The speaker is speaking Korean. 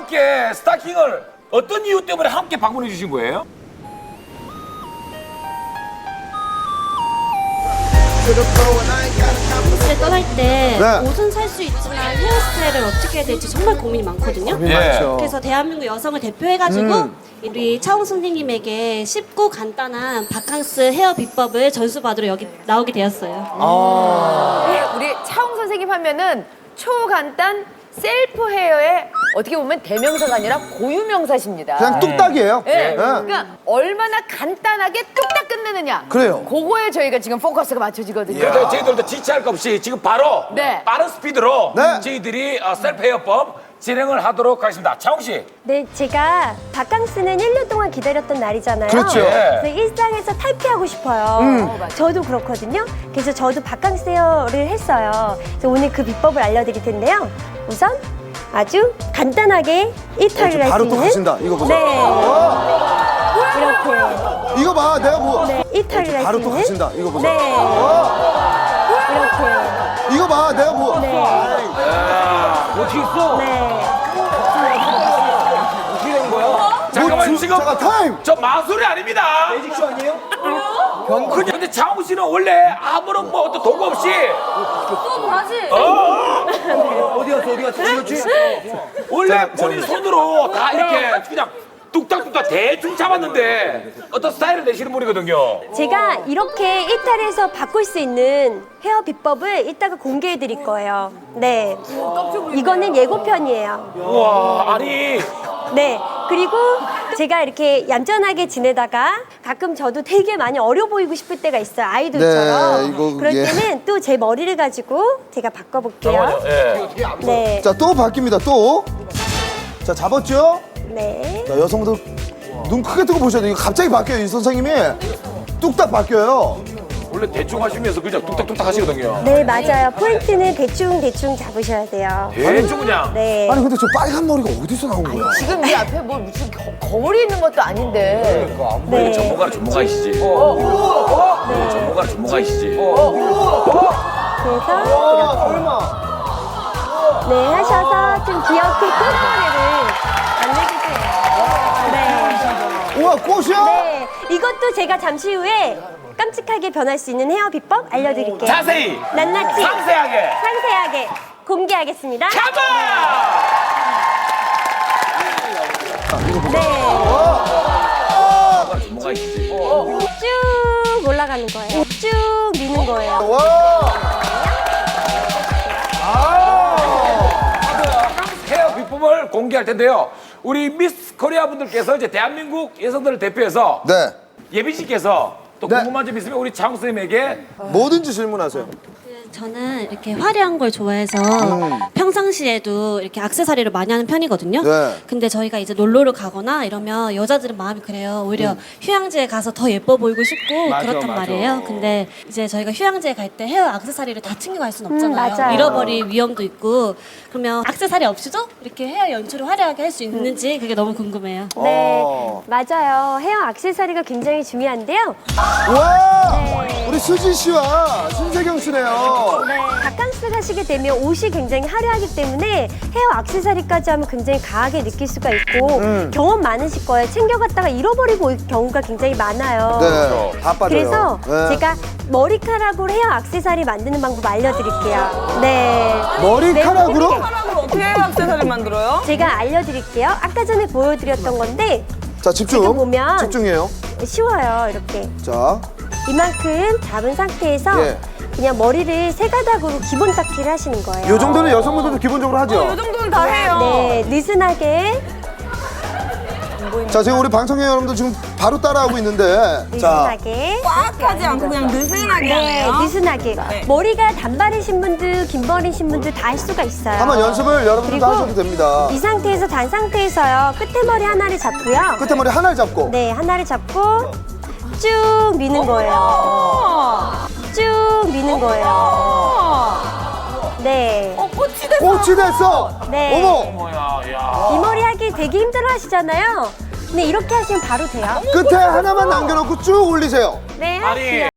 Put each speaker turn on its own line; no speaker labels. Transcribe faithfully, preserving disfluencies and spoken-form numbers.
함께 스타킹을 어떤 이유 때문에 함께 방문해 주신 거예요?
옷을 떠날 때
네.
옷은 살 수 있지만 헤어스타일을 어떻게 해야 될지 정말 고민이 많거든요.
고민 많죠.
그래서 대한민국 여성을 대표해가지고
음.
우리 차홍 선생님에게 쉽고 간단한 바캉스 헤어 비법을 전수받으러 여기 나오게 되었어요.
우리 차홍 선생님 하면은 초간단 셀프 헤어의 어떻게 보면 대명사가 아니라 고유명사십니다.
그냥 뚝딱이에요.
예.
네.
그러니까 얼마나 간단하게 뚝딱 끝내느냐.
그래요.
그거에 저희가 지금 포커스가 맞춰지거든요.
그래서 저희들도 지체할 것 없이 지금 바로
네.
빠른 스피드로
네.
저희들이 어, 셀프 헤어법 진행을 하도록 하겠습니다. 차홍 씨.
네, 제가 바캉스는 일 년 동안 기다렸던 날이잖아요.
그렇죠.
예.
그래서 일상에서 탈피하고 싶어요.
음.
저도 그렇거든요. 그래서 저도 바캉스 헤어를 했어요. 그래서 오늘 그 비법을 알려드릴 텐데요. 우선 아주 간단하게 일탈을 할 수
바로
있는
또 가신다. 이거 보세요.
네,
어,
이렇게
이거 봐. 내가 뭐.
네, 일탈을 할 수
바로
있는
또 가신다. 이거 보세요.
네,
어,
이렇게
이거 봐. 내가 뭐.
네,
어떻게 있어?
네.
어떻게 된 거야? 잠깐만
뭐,
지금
잠깐 타임.
저 마술이 아닙니다. 매직쇼 아니에요? 근데, 근데 차홍 씨는 원래 아무런 뭐 어떤 도구 없이
어디 갔어 어디 갔어 어디 갔지?
원래 본인 손으로 다 이렇게 그냥 뚝딱뚝딱 대충 잡았는데 어떤 스타일을 내시는 분이거든요.
제가 이렇게 일탈해서 바꿀 수 있는 헤어 비법을 이따가 공개해 드릴 거예요. 네. 이거는 예고편이에요.
우와 아니
네. 그리고 제가 이렇게 얌전하게 지내다가 가끔 저도 되게 많이 어려 보이고 싶을 때가 있어요. 아이돌처럼.
네, 이거,
그럴
예.
때는 또 제 머리를 가지고 제가 바꿔볼게요.
예.
네.
자, 또 바뀝니다. 또. 자, 잡았죠?
네.
자, 여성들 눈 크게 뜨고 보셔야 돼요. 이거 갑자기 바뀌어요. 이 선생님이. 뚝딱 바뀌어요.
원래 대충 하시면서 그냥 뚝딱뚝딱 하시거든요.
네, 맞아요. 포인트는 대충대충 잡으셔야 돼요.
대충 그냥.
네.
아니, 근데 저 빨간 머리가 어디서 나온 거야?
지금 이 앞에 뭐 무슨 거, 거울이 있는 것도 아닌데.
네.
전문가는 전문가이시지. 네. 전문가는 전문가이시지.
그래서
아, 설마.
네, 하셔서 좀 귀엽게 꽃머리를 만들주세요. 네.
우와, 꽃이야?
네. 이것도 제가 잠시 후에 깜찍하게 변할 수 있는 헤어 비법 알려드릴게요.
자세히
낱낱이
상세하게
상세하게 공개하겠습니다.
가봐.
네.
전문가이시지.
쭉 올라가는 거예요. 쭉 미는 거예요.
와. 아.
헤어 비법을 공개할 텐데요. 우리 미스 코리아 분들께서 이제 대한민국 여성들을 대표해서
네.
예빈 씨께서 또
네.
궁금한 점 있으면 우리 차홍 선생님에게
뭐든지 질문하세요.
저는 이렇게 화려한 걸 좋아해서 평상시에도 이렇게 액세서리를 많이 하는 편이거든요.
네.
근데 저희가 이제 놀러를 가거나 이러면 여자들은 마음이 그래요. 오히려 휴양지에 가서 더 예뻐 보이고 싶고
맞아,
그렇단
맞아.
말이에요. 근데 이제 저희가 휴양지에 갈 때 헤어 액세서리를 다 챙겨갈 수는 없잖아요.
맞아요.
잃어버릴 위험도 있고 그러면 액세서리 없이도 이렇게 헤어 연출을 화려하게 할 수 있는지 그게 너무 궁금해요.
네,
어.
맞아요. 헤어 액세서리가 굉장히 중요한데요.
와.
네.
우리 수지 씨와 신세경 씨네요.
네, 바캉스 가시게 되면 옷이 굉장히 화려하기 때문에 헤어 액세서리까지 하면 굉장히 가하게 느낄 수가 있고
음.
경험 많으실 거예요. 챙겨갔다가 잃어버리고 올 경우가 굉장히 많아요.
네. 다 빠져요.
그래서
네.
제가 머리카락으로 헤어 액세서리 만드는 방법 알려드릴게요. 네.
머리카락으로?
네,
어떻게 헤어 액세서리 만들어요?
제가 알려드릴게요. 아까 전에 보여드렸던 건데
자, 집중.
지금 보면
집중해요.
쉬워요. 이렇게
자.
이만큼 잡은 상태에서
예.
그냥 머리를 세 가닥으로 기본 닦기를 하시는 거예요.
요 정도는 여성분들도 기본적으로 하죠.
이 정도는 다 해요.
네, 느슨하게
자, 지금 우리 방청객 여러분들 지금 바로 따라하고 있는데. 자.
느슨하게
꽉 하지 않고 그냥 느슨하게
네,
하네요.
느슨하게 머리가 단발이신 분들, 긴 머리신 분들 다 할 수가 있어요.
한번 연습을 여러분들도
그리고
하셔도 됩니다.
이 상태에서 단 상태에서요. 끝에 머리 하나를 잡고요.
끝에 머리 하나를 잡고.
네, 하나를 잡고 쭉 미는 거예요. 쭉 미는 거예요. 네.
어, 꽃이 됐어.
꽃이 됐어.
네.
어머.
뭐야 야.
이 머리 하기 되게 힘들어 하시잖아요. 근데 이렇게 하시면 바로 돼요.
끝에 하나만 남겨놓고 쭉 올리세요.
네,
아니